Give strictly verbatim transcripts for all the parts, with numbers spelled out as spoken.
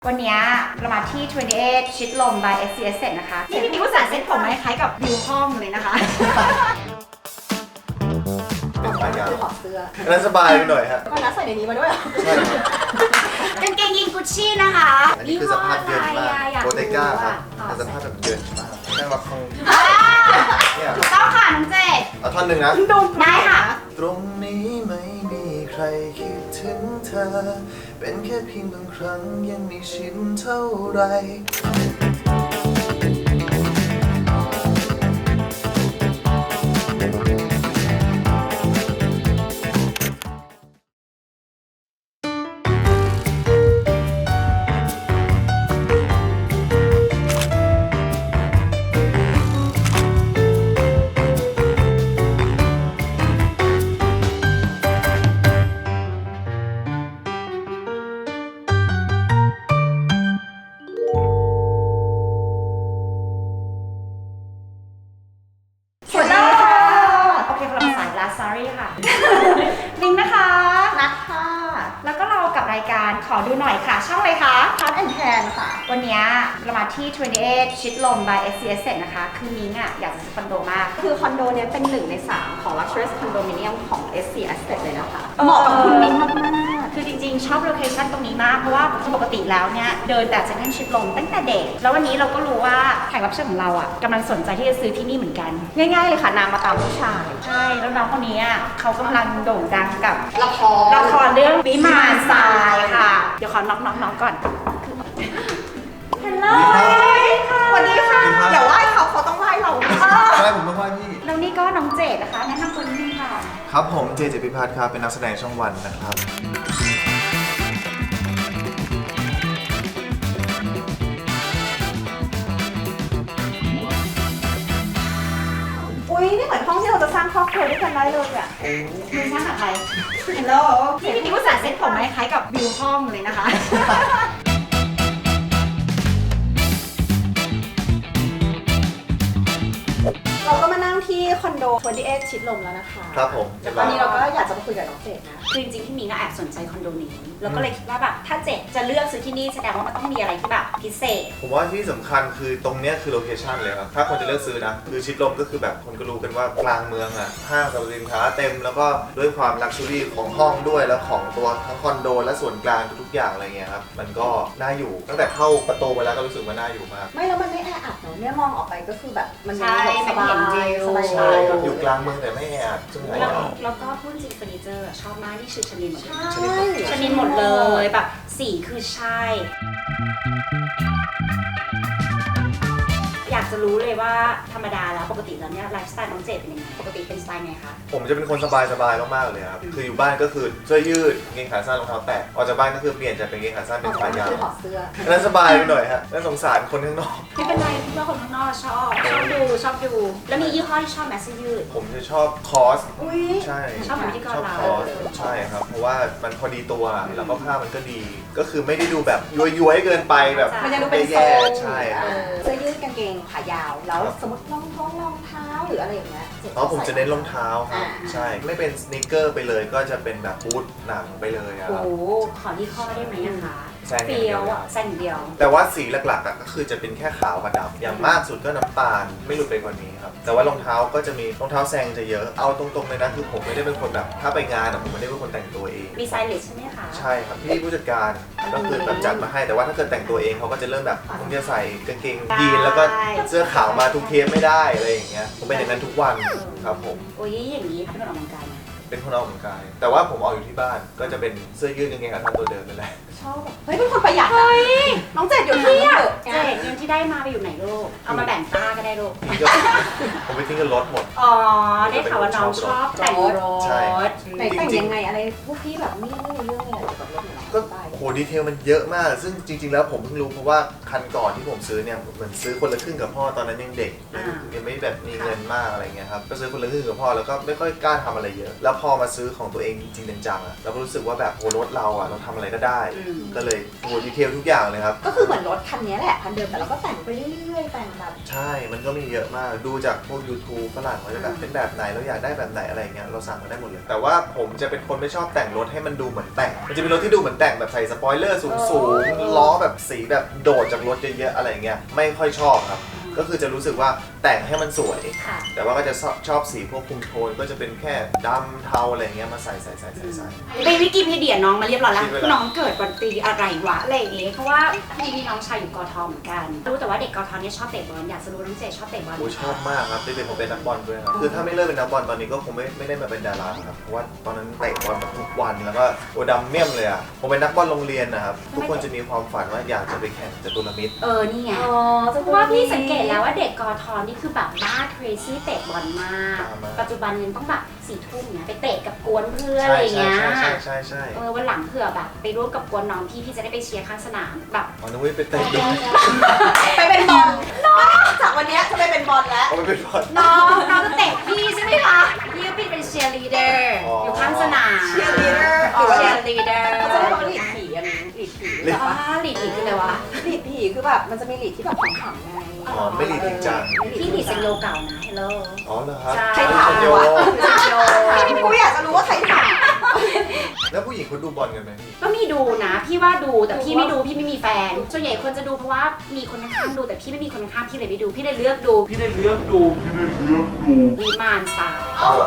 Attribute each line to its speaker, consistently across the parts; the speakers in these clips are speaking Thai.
Speaker 1: วันนี้เรามาที่ยี่สิบแปดชิดลม by เอส ซี เอส Set นะคะนี่พี่ผู้สานเซ็ตผมคล้ายกับวิวห้องเลยนะคะ
Speaker 2: เป็นขายาว
Speaker 3: ถอดเสื้อ
Speaker 2: แล้วสบายไปหน่อยฮะ
Speaker 3: ก็นัดใส่ในนี้มาด้วยเหรอ
Speaker 2: ใช่
Speaker 1: กางเกงยีนกุชชี่นะคะ
Speaker 2: อันนี้คือสภาพเยินมากโบเตก้าครับแต่สภาพแบบเยินมากนั่งรับคงเนี่ย
Speaker 1: ถูกต้องค่ะน้องเจด
Speaker 2: เอาท่อนหนึ่งนะ
Speaker 1: ได้ค่ะ
Speaker 2: ตรงนี้ไม่มีใครคิดถึงเธอเป็นแค่เพียงบางครั้งยังไม่ชินเท่าไร
Speaker 1: ลิงนะคะ
Speaker 3: นัดค่ะ
Speaker 1: แล้วก็เรากับรายการขอดูหน่อยค่ะช่องอะไรคะ
Speaker 3: Cut and Tan ค่ะ
Speaker 1: วันนี้เรามาที่ยี่สิบแปดชิดลม by เอส ซี เอส Set นะคะคือมิ้งอ่ะอยากจะซื้อคอนโดมาก
Speaker 3: คือคอนโดเนี้ยเป็นหนึ่งในสามของ Luxurious Condominium ของ เอส ซี เอส Set เลยนะคะเหมาะกับคุณมิ้งมาก
Speaker 1: ๆคือจริงๆชอบโลเคชั่นตรงนี้มากเพราะว่าปกติแล้วเนี่ยเดินแต่เซ็นทรัลชิดลมตั้งแต่เด็กแล้ววันนี้เราก็รู้ว่าแขกรับเชิญของเราอ่ะกำลังสนใจที่จะซื้อที่นี่เหมือนกัน
Speaker 3: ง่ายๆเลยค่ะนางมาตามผู้ชาย
Speaker 1: ใช่แล้วน้องคนนี้เขากำลังโด่งดังกับ
Speaker 3: ละคร
Speaker 1: ละครเรื่องวิมานทรายค่ะเดี๋ยวขอน็อกน็อกน็อกก่อนฮัลโหล
Speaker 3: สวัสดีค่ะอย่าไหว้เขาเขาต้องไหว้เรา
Speaker 2: ใช่ผมต้องไหว้พี่
Speaker 1: แล้วนี่ก็น้องเจดนะคะแนะนำตัวนิดนึงค่ะ
Speaker 2: ครับผมเจเจพิพัฒน์ครับเป็นนักแสดงช่องวันนะครับ
Speaker 3: อุ้ยนี่เหมือนห้องที่เราจะสร้างครอบครัวด้วยกันได้เลยอ่ะ
Speaker 1: มึงสร้างกับใครฮัลโหลนี่พี่ผู้สานเซ็ตผมคล้ายกับวิวห้องเลยนะคะ
Speaker 3: เราก็มานั่งที่คอนโดยี่สิบแปดชิดลมแล้วนะคะ
Speaker 2: ครับผม
Speaker 3: ตอนนี้เราก็อยากจะมาคุยกับน้องเจดนะ
Speaker 1: คือจริงๆที่มีก็แอบสนใจคอนโดนี้แล้วก็เลยคิดว่าแบบถ้าเจดจะเลือกซื้อที่นี่แสดงว่ามันต้องมีอะไรที่แบบพิเศษ
Speaker 2: ผมว่าที่สำคัญคือตรงเนี้ยคือโลเคชั่นเลยครับถ้าคนจะเลือกซื้อนะคือชิดลมก็คือแบบคนก็รู้กันว่ากลางเมืองอ่ะห้างสรรพสินค้าเต็มแล้วก็ด้วยความลักชัวรี่ของห้องด้วยแล้วของตัวทั้งคอนโดและส่วนกลางทุกๆอย่างอะไรเงี้ยครับมันก็น่าอยู่ตั้งแต่เข้าประตูมาแล้วก็รู้สึกว่าน่าอยู่มาก
Speaker 3: ไม่แล้วมันไม่แออัดเนาะเนี่ยมองออกไปก็คือแบบมัน
Speaker 1: มีแบบสบาย
Speaker 3: สบาย
Speaker 2: ใช่อยู่กลางเมืองแต่ไม่แออัดซึ่ง
Speaker 1: แล้วแล้วก็พูดจริงเฟอร์นิเจอร์ชอบมากที่ชื่อชนินหมดเลย
Speaker 3: ใช่
Speaker 1: ชนินหมดเลยแบบสีคือใช่อยากจะรู้เลยว่าธรรมดาแล้วปกติแล้วเนี่ยไลฟ์สไตล์น้องเจดเป็นยังไงปกติเป็นสไตล์ไงคะ
Speaker 2: ผมจะเป็นคนสบายสบายมากๆเลยครับคืออยู่บ้านก็คือเสื้อยืดกางเกงขาสั้นรองเท้าแตะออกจากบ้านก็คือเปลี่ยนจากเป็นกางเกงขาสั้นเป็นขายาว
Speaker 3: ถอดเสื้อ
Speaker 2: แล้วสบายไปหน่อยฮะแล้วสงสารคนข้างนอก
Speaker 1: ไม่เป็นไรเพื่อคนข้างนอกชอบชอบดูชอบดูแล้วมียี่ห้อที่ชอบแมสซี่ยืด
Speaker 2: ผมจะชอบคอสใช่
Speaker 1: ชอบเหมือนที่ก่อนเรา
Speaker 2: ใช่ครับเพราะว่ามันพอดีตัวแล้วก็ผ้ามันก็ดีก็คือไม่ได้ดูแบบย้วยๆเกินไปแบบ
Speaker 3: มันจะดูเป็นโซน
Speaker 2: ใช่
Speaker 3: เสื้อยืดกางเกงขายาวแล้วสมมติรองท้องรองเท้าหรืออะไรอย่างเงี้ย
Speaker 2: อ๋อผมจะเน้นรองเท้าครับใช่ไม่เป็นสเนคเกอร์ไปเลยก็จะเป็นแบบบูทหนังไปเลยครับ
Speaker 1: โอ้ขอที่ข้อได้ไหมนะคะ
Speaker 2: เฟียว
Speaker 1: แซงเดียว
Speaker 2: แต่ว่าสีหลักๆก็คือจะเป็นแค่ขาวกับดำอย่างมากสุดก็น้ำตาลไม่หลุดไปกว่านี้ครับแต่ว่ารองเท้าก็จะมีรองเท้าแซงจะเยอะเอาตรงๆเลยนะคือผมไม่ได้เป็นคนแบบถ้าไปงานผมไม่ได้เป็นคนแต่งตัวเอง
Speaker 1: มีไซลิสใช่ไหมคะ
Speaker 2: ใช่ครับพี่ผู้จัดการก็คือแบบจัดมาให้แต่ว่าถ้าเกิดแต่งตัวเองเขาก็จะเริ่มแบบผมจะใส่กางเกงยีนแล้วก็เสื้อขาวมาทุกเทปไม่ได้อะไรอย่างเงี้ยผมเป็นอย่างนั้นทุกวันครับผม
Speaker 1: โอ้ยอย่างนี้เป็นคนออกกำลังกาย
Speaker 2: เป็นคนออกกำลังกายแต่ว่าผมออกอยู่ที่บ้านก็จะเป็นเสื้อยืดกางเกงขาสั้นตัวเดิมนั่นแหละ
Speaker 3: ชอบแบบเฮ้ยเป็นคนประหยัดเฮ้ยน้องเจดอยู่ที่อ่ะ
Speaker 1: เจดเงินที่ได้มาไปอยู่ไหนลูกเอามาแบ่งป้าก็ได้ลูก
Speaker 2: ผมไปทิ้งกับรถหมด
Speaker 1: อ๋อได้ข่าวว่าน้องชอบแต่งรถ
Speaker 2: ใช่
Speaker 3: ไหนแต่งยังไงอะไรพวกพี่แบบไม่ไม่รู้เรื่องเลยเกี่ยวกับรถเนี่ย
Speaker 2: ก็โหดีเทลมันเยอะมากซึ่งจริงๆแล้วผมเพิ่งรู้เพราะว่าคันก่อนที่ผมซื้อเนี่ยเหมือนซื้อคนละครึ่งกับพ่อตอนนั้นยังเด็กยังไม่แบบมีเงินมากอะไรเงี้ยครับก็ซื้อคนละครึ่งกับพ่อแล้วก็ไม่ค่อยกล้าทำอะไรเยอะแล้วพอมาซื้อของตัวเองจริงๆจังๆอะเราก็รู้สึกว่าแบบโหรถเราอะเราทำอะไรก็ได้ ก็เลยโหดีเทลทุกอย่างเลยครับ
Speaker 3: ก็คือเหมือนรถคันนี้แหละคันเดิมแต่เราก็แต่งไปเรื่อยๆแต่งแบบ
Speaker 2: ใช่มันก็มีเยอะมากดูจากพวก YouTube ฝรั่งเขาจะแบบเป็นแบบไหนเราอยากได้แบบไหนอะไรเงี้ยเราสั่งมาได้หมดเลยแต่ว่าผมจะเป็นคนไม่ชอบแต่งรถให้มันดูเหมือนแต่งมันจะเป็นรถที่ดูเหมือนแต่งแบบใส่สปอยเลอร์สูงๆล้อแบบสีแบบโดดจากรถเยอะๆอะไรเงี้ยไม่ค่อยชอบครับก็คือจะรู้สึกว่าแต่งให้มันสวยแต่ว่าก็จะชอบชอบสีพวกคุมโทนก็จะเป็นแค่ดำเทาอะไรเงี้ยมาใส่ใส่ใส่ใส่ใส่
Speaker 1: ไปวิกิพีเดียน้องมาเรียบร้อยแล้วน้องเกิดวันปีอะไรวะอะไรอย่างเงี้ยเพราะว่าพี่มีน้องชายอยู่กทเหมือนกันรู้แต่ว่าเด็กกทเนี่ยชอบเตะบอลอยากจะรู้น้องเจชอบเตะบอล
Speaker 2: โอ้ชอบมากครับได้เป็นผมเป็นนักบอลด้วยครับคือถ้าไม่เลิกเป็นนักบอลตอนนี้ก็คงไม่ไม่ได้มาเป็นดาราครับเพราะว่าตอนนั้นเตะบอลแบบทุกวันแล้วก็โอดำเมี่ยมเลยอ่ะผมเป็นนักบอลโรงเรียนนะครับทุกคนจะมีความฝันว่าอยากจะไปแข่งจตุรมิตร
Speaker 1: เออนี่ไงเพราะว่าพี่สังเกตแล้วว่าเด็กกทนี่คือแบบบ้า crazy เตะบอลมากปัจจุบันยังต้องแบบสี่ทุ่มเนี่ยไปเตะกับกวนเพื่อนอะไรเงี้ย
Speaker 2: ใช่ใช่ใช่ใช่
Speaker 1: เออวันหลังเผื่อแบบไปร่วมกับกวนน้องพี่พี่จะได้ไปเชียร์ข้างสนามแบบ
Speaker 2: อ๋อนึกว่าไปเตะด้วย
Speaker 3: ไปเป็นบอลน้องจากวันนี้จะไปเป็นบอลแล้ว
Speaker 2: ไปเป็นบอล
Speaker 1: น้องน้องจะเตะพี่ใช่ไหมคะพี่ก็เป็นเชียร์ลีดเดอร์อยู่ข้างสนาม
Speaker 3: เชียร์ลีดเดอร์
Speaker 1: เชียร์ลีดเดอร์
Speaker 3: เขาจะเรียกว่าลีดผีอันนี้ลีดผี
Speaker 1: อ๋อลีดผีคืออะไรวะ
Speaker 3: ลีดผีคือแบบมันจะมีลีดที่แบบขำๆไง
Speaker 2: อ๋อไม่ลีดจริงจัง
Speaker 1: พี่ลีดเซนโยเก่านะฮัลโหล
Speaker 2: อ๋อเหรอครับ
Speaker 3: ใครถามวะกูอยากจะรู้ว่าใครถาม
Speaker 2: แล้วผู้หญิงเขาดูบอลกันไหม
Speaker 1: ก็มีดูนะพี่ว่าดูแต่พี่ไม่ดูพี่ไม่มีแฟนส่วนใหญ่คนจะดูเพราะว่ามีคนข้างๆดูแต่พี่ไม่มีคนข้างๆพี่เลยไม่ดูพี่เลยเลือกดู
Speaker 2: พี่เลยเลือกดูพี่เลยเลือกดู
Speaker 1: วิมานสาว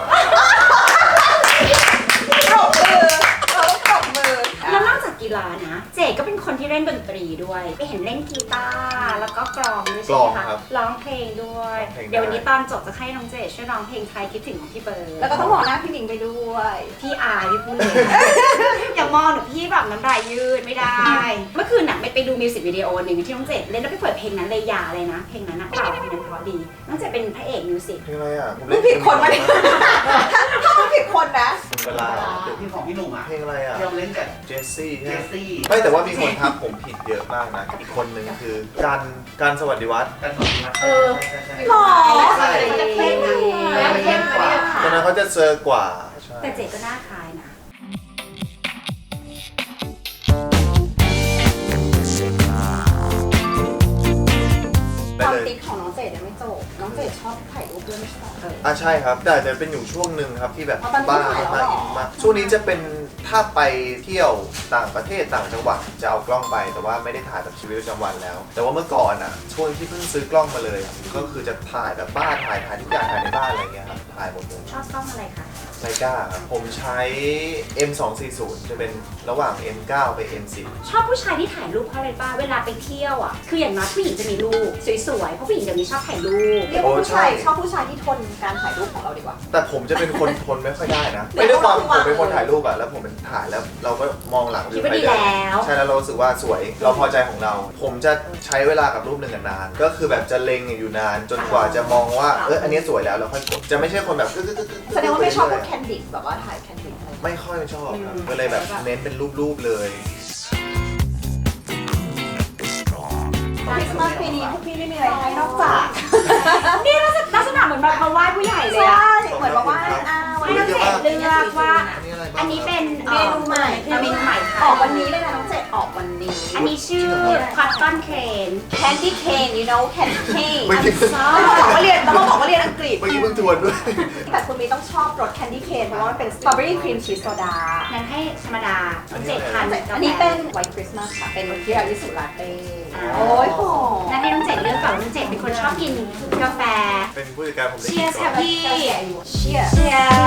Speaker 3: ปรบมือเราต้องปรบมือ
Speaker 1: แล้วนอกจากกีฬานะเจก็เป็นคนที่เล่นดนตรีด้วยไปเห็นเล่นกีตาร์แล้วก็กลองด้วยใช่ไหมคะร้องเพลงด้วยเดี๋ยววันนี้ตอนจบจะให้น้องเจช่วยร้องเพลงไทยคิดถึงของพี่เบิร์ด
Speaker 3: แล้วก็ต้องมองหน้าพี่หนิงไปด้วย
Speaker 1: พี่อายพี่พูดเลยอย่ามองหนูพี่แบบน้ำลายยืดไม่ได้เมื่อคืนน่ะไปดูมิวสิกวิดีโอหนึ่งที่น้องเจเล่นแล้วไปเปิดเพลงนั้นเลยอย่าเลยนะเพลงนั้นนะเปล่าเพลงนั้นเพราะดีน้องเจเป็นพระเอกมิวสิก
Speaker 2: เพลงอะไรอ่ะ
Speaker 3: มึงผิดคนมาเนี่ยถ้ามึงผิดคนนะ
Speaker 2: เวลา
Speaker 4: เพลงของพี่หนุ่มอ่ะ
Speaker 2: เพลงอะไรอ่ะ
Speaker 4: เราเล่นกับ
Speaker 2: เจสซี่
Speaker 4: เจสซี่
Speaker 2: ไม่แต่ว่ามีคนทักผมผิดเยอะมากนะอีกคนนึงคือการการสวัสดิวัฒน์
Speaker 4: การสวัสดิวัฒน์
Speaker 3: เออหรอ
Speaker 1: ใช่เท่นะเท่กว่า
Speaker 2: ตอนนั้นเขาจะเซอร์กว่า
Speaker 1: แต่เจก็น่าคล้ายนะ
Speaker 3: ความติ๊กของน้องเจดยังไม่จบน้องเจดชอบถ่ายรูปด้วยไม่ใช่เหรอ
Speaker 2: อ่ะใช่ครับแต่จะเป็นอยู่ช่วงหนึ่งครับที่แบบบ้ามากอินมากช่วงนี้จะเป็นถ้าไปเที่ยวต่างประเทศต่างจังหวัดจะเอากล้องไปแต่ว่าไม่ได้ถ่ายแบบชีวิตประจำวันแล้ว แต่ว่าเมื่อก่อนอ่ะช่วงที่เพิ่งซื้อกล้องมาเลยก็คือจะถ่ายแบบบ้านถ่ายถ่ายทุกอย่างถ่ายในบ้านอะไรเงี้ยครับถ่ายหมดเลย
Speaker 1: ชอบกล้องอะไรคะ
Speaker 2: ไลกาครับผมใช้ เอ็ม สองสี่ศูนย์ จะเป็นระหว่าง เอ็ม เก้า ไป เอ็ม สิบ
Speaker 1: ชอบผู้ชายที่ถ่ายรูปเพราะอะไรบ้างเวลาไปเที่ยวอ่ะคืออย่างน้อยผู้หญิงจะมีรูปสวยๆเพราะผู้หญิงเดี๋ยวนี้ชอบถ่ายรูป
Speaker 3: เรียกว่าผู้ชายชอบผู้ชายที่ทนการถ่ายรูปของเราดีกว่า
Speaker 2: แต่ผมจะเป็นคนทนไม่ค่อยได้นะไม่ได้ความผมเป็นคนถ่ายรูปอะแล้วผมเป็นถ่ายแล้วเราก็มองหลัง
Speaker 1: คิดว่าดีแล้ว
Speaker 2: ใช่แล้วเรารู้สึกว่าสวยเราพอใจของเรา ผมจะใช้เวลากับรูปหนึ่งนานก็คือแบบจะเล็งอยู่นานจนกว่าจะมองว่าเอออันนี้สวยแล้วเราค่อยกดจะไม่ใช่คนแบบ
Speaker 3: แสดงว่าไม่ชอบพวกแคนดิดแบบว่าถ่ายแคนดิดอะไร
Speaker 2: ไม่ค่อยชอบครับก็เลยแบบเน้นเป็นรูปๆเลย
Speaker 3: คริสต์มาสปีนี้พวกพี่ไม่มีอะไรให้นอกจาก
Speaker 1: นี่ลักษณะเหมือนแบบมาไหว้ผู้ใหญ่เลยอะ
Speaker 3: เหมือนมาไหว้อา
Speaker 1: ให้น้องเจดเลือกว่าอันนี้เป็น
Speaker 3: เมนูใหม่
Speaker 1: เมนูใหม่
Speaker 3: ออกวันนี้เลยนะน้องเจดออกวันนี้
Speaker 1: อันนี้ชื่อคอตตอนเคน
Speaker 3: แคนดี้เคน you know candy cane ต้องบอกว่าเรียนต้องบอกว่าเรียนอังกฤษ
Speaker 2: เมื่อกี้เพิ่งทวนด้วย
Speaker 3: แต่คุณมีต้องชอบรสแคนดี้เคนเพราะว่ามันเป็นสตรอเบอรี่ครีมชีสโซดา
Speaker 1: งั้นให้ธรรมดาเจดทาน
Speaker 3: อันนี้เป็นไวท์คริสต์มาสค่ะเป็นทีรามิสุลาเต้โอ้ยหอม
Speaker 1: งั้นให้น้องเจดเลือกก่อนน้องเจดเป็นคนชอบกินกาแฟ
Speaker 2: เป็นผู้จัดการผม
Speaker 1: เชียร์ค่ะพี่
Speaker 3: เชียร์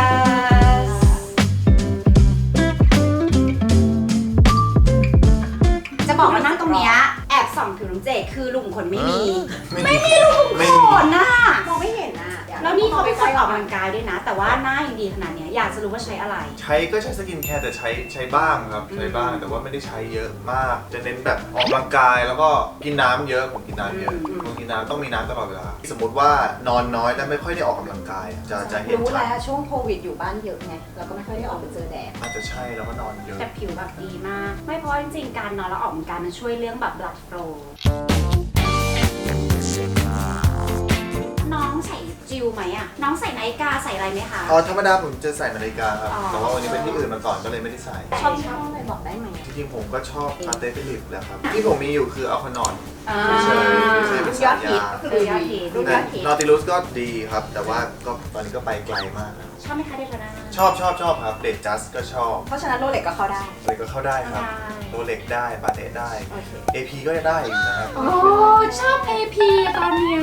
Speaker 1: จะบอกว่านั่งตรงเนี้ยแอบส่องผิวน้องเจดคือลุงขนไม่มีไม่มีลุงขนน่ะ
Speaker 3: มองไม่เห็นน่ะ
Speaker 1: แล้วนี่เขาเป็นคนออกกำลังกายด้วยนะแต่ว่าหน้ายังดีขนาดนี้อยากจะรู้ว่าใช้อะไร
Speaker 2: ใช้ก็ใช้สกินแคร์แต่ใช้ใช้บ้างครับใช้บ้างแต่ว่าไม่ได้ใช้เยอะมากจะเน้นแบบออกกำลังกายแล้วก็กินน้ำเยอะผมกินน้ำเยอะผมกินน้ำต้องมีน้ำตลอดเวลาสมมติว่านอนน้อยและไม่ค่อยได้ออกกำลังกายจะจะเห็น
Speaker 3: รู้แล้วช่วงโควิดอยู่บ้านเยอะไงเราก็ไม่ค่อยได้ออกไปเจอแดด
Speaker 2: อาจจะใช่แล้วก็นอนเยอะ
Speaker 1: แต่ผิวแบบดีมากไม่เพราะจริงๆการนอนแล้วออกกำลังกายมันช่วยเรื่องแบบ blood flow น้องใส่จีฟิลไหมอะน้องใส่นาฬิกาใส่อะไรไหมคะ
Speaker 2: อ๋อธรรมดาผมจะใส่นาฬิกาครับ
Speaker 1: อ๋อ
Speaker 2: แต่ว่าวันนี้เป็นที่อื่นมาก่อนก็เลยไม่ได้ใส่
Speaker 3: ชอบชอบอะไรบอกได้ไหม
Speaker 2: จริงๆผมก็ชอบพาเต้ฟิลิปแหละครับที่ผมมีอยู่คืออัลคานอน
Speaker 1: อ่า
Speaker 2: เฉยๆเฉยๆเป็น
Speaker 3: ยอ
Speaker 2: สา
Speaker 3: ด
Speaker 2: ย
Speaker 3: ฮิต
Speaker 2: ยา
Speaker 3: ก็คือยอดฮิตรูปยอดฮิต
Speaker 2: นอติลุสก็ดีครับ แต่ว่าก็ตอนนี้ก็ไปไกลมากแล้ว
Speaker 1: ชอบไหมคะเดทนา
Speaker 2: ชอบชอบชอบครับเดทจัสก็ชอบ
Speaker 3: เพราะฉะนั้นโรเล็กก็เข้าได้
Speaker 2: เลยก็เข้าได้ครับ
Speaker 1: ได้
Speaker 2: โรเล็กได้ปาเต้ได้
Speaker 3: โอเค
Speaker 2: เอ พี ก็จะได้อยู่นะครับ
Speaker 1: โอ้ชอบ เอ พี ตอนเนี้ย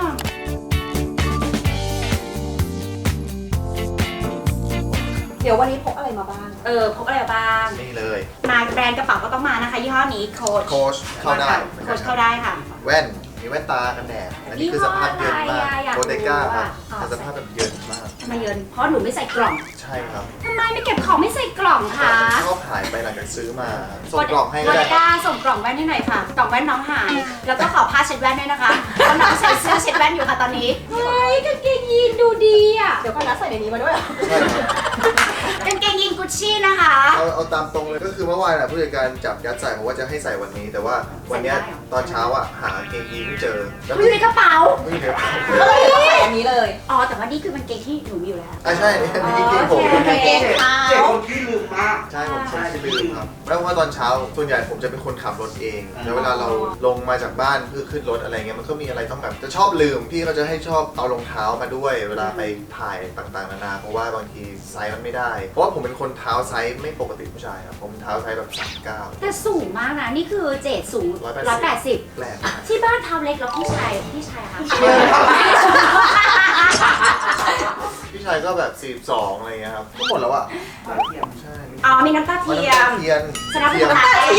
Speaker 3: เดี๋ยววันนี้พกอะไรมาบ้าง
Speaker 1: เออพกอะไรบ้าง
Speaker 2: นี่เลย
Speaker 1: มาแบรนด์กระเป๋าก็ต้องมานะคะยี่ห้อนี้โค้ช
Speaker 2: โค้ชเข้าได้
Speaker 1: โค้ชเข้าได้ค่ะ
Speaker 2: แว่น มีแว่นตากันแดด อันนี้คือสภาพเยินมาก
Speaker 1: ยี่ห้ออะไรอะอยาก
Speaker 2: โบเตก้าครับ
Speaker 1: รู้อะ
Speaker 2: แต่สภาพแบบเยินมาก
Speaker 1: ทำไมเยินเพราะหนูไม่ใส่กล่อง
Speaker 2: ใช่ครับ
Speaker 1: ทำไมไม่เก็บของไม่ใส่กล่อง
Speaker 2: แต่
Speaker 1: คะ
Speaker 2: มันชอบหายไปหลังจากซื้อมา ส่งกล่องให้ก็
Speaker 1: โบ
Speaker 2: ได้
Speaker 1: เตก้าส่งกล่องแว่นให้หน่อยค่ะ กล่องแว่นน้องหาย แล้วก็ขอผ้าเช็ดแว่นด้วยนะคะเพราะน้องใส่เสื้อเช็ดแว่นอยู่ค่ะตอนนี้ เฮ้ยกางเกงยีนดูดีอ่ะ
Speaker 3: เดี๋ยวก็นัดใส่ในนี้มาด้วยเหรอ
Speaker 2: ใช่ครับ
Speaker 1: กางเกงยีนกุชชี่นะคะ
Speaker 2: เอาเอาตามตรงเลยก็คือเมื่อวานน่ะผู้จัดการจับยัดใส่บอกว่าจะให้ใส่วันนี้ แต่ว่าวันเนี้ย
Speaker 1: ใส่ได้เหรอ
Speaker 2: ตอนเช้าอ่ะหากางเกงยีนไม่เจอแล้ว
Speaker 1: อยู่ในกระเป๋า
Speaker 2: ไม่เจอ
Speaker 3: ก็เลยใส่อันนี้เลย
Speaker 1: อ๋อ แต่ว่านี่คือกางเกงที่หนูมีอยู่แล้ว
Speaker 2: อ่ะใช่นี่นี่จริงๆผม
Speaker 1: โอเค
Speaker 3: เกงขาว
Speaker 4: เจ็บคนที่ลืมมาก
Speaker 2: ใช่ผมคนที่ลืมครับแล้วว่าตอนเช้าส่วนใหญ่ผมจะเป็นคนขับรถเองแล้วเวลาเราลงมาจากบ้านเพื่อขึ้นรถอะไรเงี้ยมันก็มีอะไรต้องแบบจะชอบลืมพี่เขาจะให้ชอบเอารองเท้ามาด้วย เวลาไปถ่ายต่างๆนานาเพราะว่าบางทีไซส์มันไม่ได้ เพราะว่าผมเป็นคนเท้าไซส์ไม่ปกติผู้ชายครับผมเท้าไซส์แบบสามเก้า
Speaker 1: แต่สูงมากนะ นี่คือเจดสูง
Speaker 2: ร้อยแปดสิบ
Speaker 1: ร้อยแปดสิบ
Speaker 2: แปลกมาก
Speaker 1: ที่บ้านเท้าเล็กแล้วพี่ชายพี่ชายอะคะ
Speaker 2: พี่ชายก็แบบสี่สิบสองอะไรเงี้ยครับก็หมดแล้วอ่ะใช่
Speaker 1: อ๋อ มีน้ำตาเทียม
Speaker 2: เทียน
Speaker 1: สนับส
Speaker 2: เที
Speaker 1: นุ
Speaker 2: ย
Speaker 1: น
Speaker 2: ม
Speaker 1: ไทย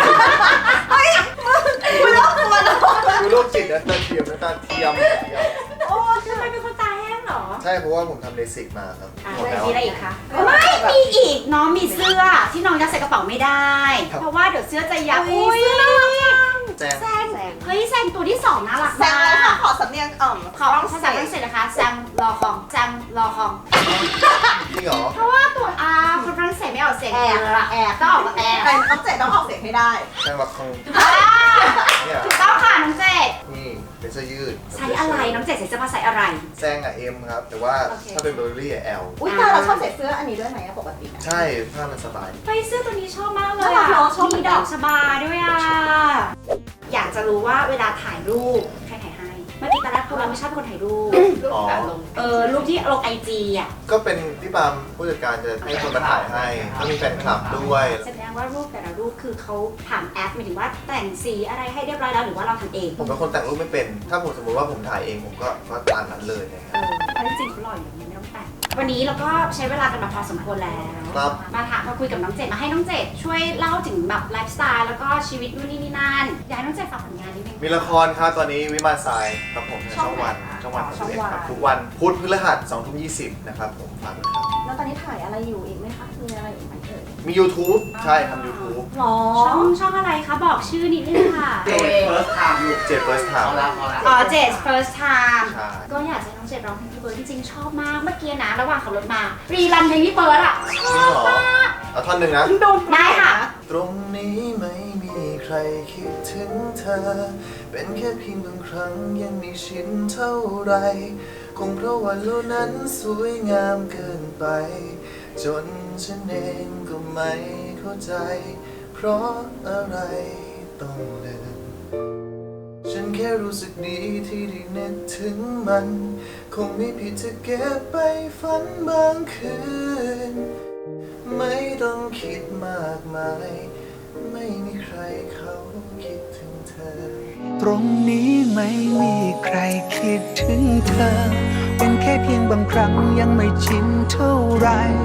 Speaker 3: คุณต้องตัวนะ
Speaker 2: คือโรคจิตนะตาเทียมนะตาเทียมเทียม
Speaker 1: โอ้ทำไมเป็นคนตาแห้งเหรอ
Speaker 2: ใช่เพราะว่าผมทำเลสิกมาครับ
Speaker 1: อ่ะ
Speaker 2: หมดแล้ว
Speaker 1: มีอะไรอีกคะ ไม่ มีอีก น้องมีเสื้อที่น้องยัดใส่กระเป๋าไม่ได้
Speaker 2: ครับ
Speaker 1: เพราะว่าเดี๋ยวเสื้อจะยับอุ้ยเสื้อน่ารักจัง
Speaker 2: แซง
Speaker 1: แซงเฮ้ยแซงตัวที่สองน่ารัก
Speaker 3: แซง
Speaker 1: มา
Speaker 3: เลยค่ะ
Speaker 1: ก
Speaker 3: ขอสำเนียงอ่อม
Speaker 1: ขอภาษาฝรั่งเศสนะคะแซงรอคองแซงรอคอง
Speaker 2: จริงเหรอ
Speaker 1: เพราะว่าตัวอาคนฝรั่งเศสไม่ออกเสียง
Speaker 3: แอ
Speaker 1: เอบ อ
Speaker 3: แอบ
Speaker 1: ต้องออกมาแอบ
Speaker 3: แต่น้องเจ็ดต้องออกเสียงให้ได้
Speaker 2: แซงวักคง
Speaker 1: อ่า
Speaker 2: เนี่ย
Speaker 1: ถูกต้องค่ะน้องเจด
Speaker 2: นี่เป็นเสื้อยืด
Speaker 1: ใส่อะไรน้องเจดใส่เสื้อผ้าใส่อะไร
Speaker 2: แซงอะเอ็มครับ แต่ว่า
Speaker 1: โอเค
Speaker 2: ถ้าเป็นเบอร์รี่อะแอล
Speaker 3: อุ้ยตาเราชอบใส่เสื้ออันนี้ด้วยไหมอะปกติอะ
Speaker 2: ใช่ผ้ามันสบาย
Speaker 1: เฮ้ยเสื้อตัวนี้ชอบมากเลย
Speaker 3: น่ารั
Speaker 1: อ่ะ
Speaker 3: กเนอะชอบ
Speaker 1: มีดอกชบาด้วยอ่ะ อยากจะรู้ว่าเวลาถ่ายรูปใครถ่ายให้ เมื่อกี้ตอนแรกพวกเราไม่ชอบเป็นคนถ่ายรูป
Speaker 2: อ๋อ
Speaker 1: เออรูปที่ลงไอจีอ่ะ
Speaker 2: ก็เป็นพี่ปามผู้จัดการจะให้คนมาถ่ายให้แล้วมีแฟนคลับด้วย
Speaker 1: แสดงว่ารูปแต่ละรูปคือเขาผ่านแอปหมายถึงว่าแต่งสีอะไรให้เรียบร้อยแล้วหรือว่าเราทำเอง
Speaker 2: ผมเป็นคนแต่งรูปไม่เป็น ถ้าผมสมมติว่าผมถ่ายเองผมก็ก็ตามนั้นเลยนะค
Speaker 1: เอ
Speaker 2: รับ
Speaker 1: อเพราะจริงๆเขาหล่ออย่างนี้ไม่ต้องแต่ง วันนี้เราก็ใช้เวลากันมาพอสมควรแล้ว
Speaker 2: ครับ
Speaker 1: มาถามมาคุยกับน้องเจดมาให้น้องเจดช่วยเล่าถึงแบบไลฟ์สไตล์แล้วก็ชีวิตนู่นนี่นี่นั่นอยากให้น้องเจดฝากผลงานนิดนึง
Speaker 2: มีละครครับตอนนี้วิมานทรายครับผมทางช่องวันช่องวันสามสิบเอ็ดครับทุกวันพุธพฤหัสสองทุ่มยี่สิบนะครับผมฝากด้วยครับ
Speaker 3: แล้วตอนนี้ถ่ายอะไรอยู่อีกไหมคะ มีอะไรอีกไหมเอ่ย
Speaker 2: มี YouTube ใช่ทำ YouTube
Speaker 3: หรอ
Speaker 1: ช่องช่องอะไรคะ บอกชื่อนิดนึงค่ะ
Speaker 4: เจ็บเฟิร์สไทม์อยู่
Speaker 2: เจ็ด first
Speaker 4: เอา
Speaker 2: time
Speaker 4: ละเอาละ
Speaker 1: อ๋อเจด first time
Speaker 2: ใช่
Speaker 1: ก็อยากจะให้น้องเจดร้องเพลงพี่เบิร์ดจริงๆชอบมาก เมื่อกี้นะระหว่างขับรถมา รีรันเพลงพี่เบิร์ดอ่ะ
Speaker 2: จริงเหรอเอาท่อนหนึ่งนะ
Speaker 1: ได้ค่ะ
Speaker 2: ตรงนี้ไม่มีใครคิดถึงเธอ เป็นแค่เพียงบางครั้งยังไม่ชินเท่าไร คงเพราะวันโลกนั้นสวยงามเกินไป จนฉันเองก็ไม่เข้าใจ เพราะอะไรต้องลืม ฉันแค่รู้สึกดีที่ได้นึกถึงมัน คงไม่ผิดจะเก็บไปฝันบางคืน ไม่ต้องคิดมากมาย ไม่มีใครเขาคิดถึงเธอ
Speaker 5: ตรงนี้ไม่มีใครคิดถึงเธอ เป็นแค่เพียงบางครั้งยังไม่ชินเท่าไร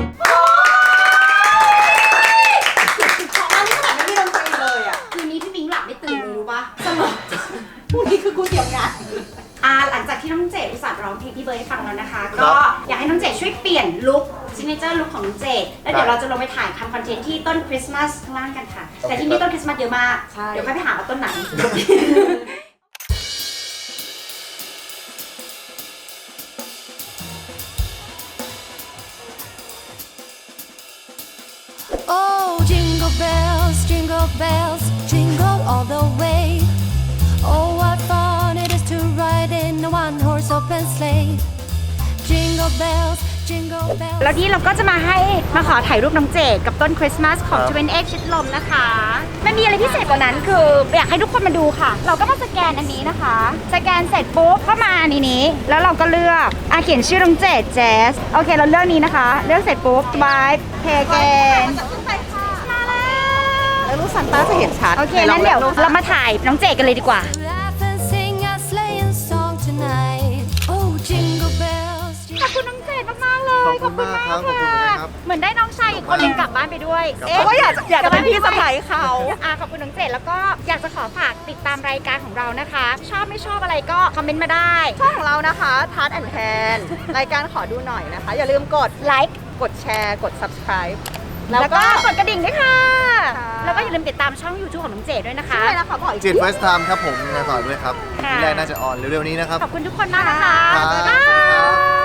Speaker 3: ของอันนี้ขนาดไม่มีดนตรีเลยอ่ะ
Speaker 1: คืนนี้พี่มิงหลับไม่ตื่นเลยรู้ปะ
Speaker 3: สรุปพรุ่งนี้คือกูเกี่ยวงาน
Speaker 1: อ่าหลังจากที่น้องเจดอุตส่าห์ร้องเพลงพี่เบิร์ดให้ฟังแล้วนะคะ
Speaker 2: ครั
Speaker 1: ก็
Speaker 2: บ
Speaker 1: อยากให้น้องเจดช่วยเปลี่ยนลุคซิกเนเจอร์ลุคของน้องเจดแล้วเดี๋ยวเราจะลงไปถ่ายทำคอนเทนต์ที่ต้นคริสต์มาสข้างล่างกันค่ะ แต่ที่นี่ต้นคริสต์มาสเยอะมาก
Speaker 3: ใช่
Speaker 1: เดี๋ยวค่อยไปหาว่าต้นไหน
Speaker 6: Oh, jingle bells, jingle bells, jingle all the way. Oh, what fun it is to ride in a one-horse open sleigh. jingle bells, jingle bells.
Speaker 1: แล้วนี่เราก็จะมาให้มาขอถ่ายรูปน้องเจดกับต้นคริสต์มาสของ
Speaker 2: ครับ
Speaker 1: ทเวนเอ็กชิดลมนะคะมันมีอะไรพิเศษกว่านั้นคืออยากให้ทุกคนมาดูค่ะ เราก็มาสแกนอันนี้นะคะ สแกนเสร็จปุ๊บเข้ามาอันนี้แล้วเราก็เลือกอ่ะเขียนชื่อน้องเจดแจสโอเคเราเลือกนี้นะคะ เลือกเสร็จปุ๊บบายเพย์เกนมาแล้ว
Speaker 3: แล้วลูกซันต้าจะเห็นชัด
Speaker 1: โอเคงั้นเดี๋ยวเรามาถ่ายน้องเจดกันเลยดีกว่า
Speaker 6: Laugh and sing a sleighing song tonight. Oh, jingle bells,
Speaker 1: ขอบคุณน้องเจดมากๆเลย
Speaker 2: ขอบคุณมากครับขอบคุณนะครับ
Speaker 1: เหมือนได้น้องชายอีกคนหนึงกลับบ้านไปด้วย
Speaker 3: เพราะว่าอยากจะอยากจะเป็นพี่สะใภ้เขา
Speaker 1: อ่ะขอบคุณน้องเจดแล้วก็อยากจะขอฝากติดตามรายการของเรานะคะ ชอบไม่ชอบอะไรก็คอมเมนต์มาได้
Speaker 3: ช่องของเรานะคะทัดแอนแทนรายการขอดูหน่อยนะคะ อย่าลืมกด
Speaker 1: ไลค์
Speaker 3: กดแชร์ กด subscribe
Speaker 1: แล้วก็
Speaker 3: แล้วก็
Speaker 1: กดกระดิ่งด้วยค่ะ
Speaker 3: ค่ะ
Speaker 1: แล้วก็อย่าลืมติดตามช่อง YouTube ของน้องเจดด้วยนะคะ
Speaker 3: ใช่แล้วค่ะบอกอีก
Speaker 2: จิต First Time ครับผมงานต่อด้วยครับ
Speaker 1: ค่ะ
Speaker 2: ที่แรกน่าจะออนเร็วๆนี้นะครับ
Speaker 1: ขอบคุณทุกคนมากนะคะ
Speaker 2: ครับ
Speaker 1: บ๊ายบาย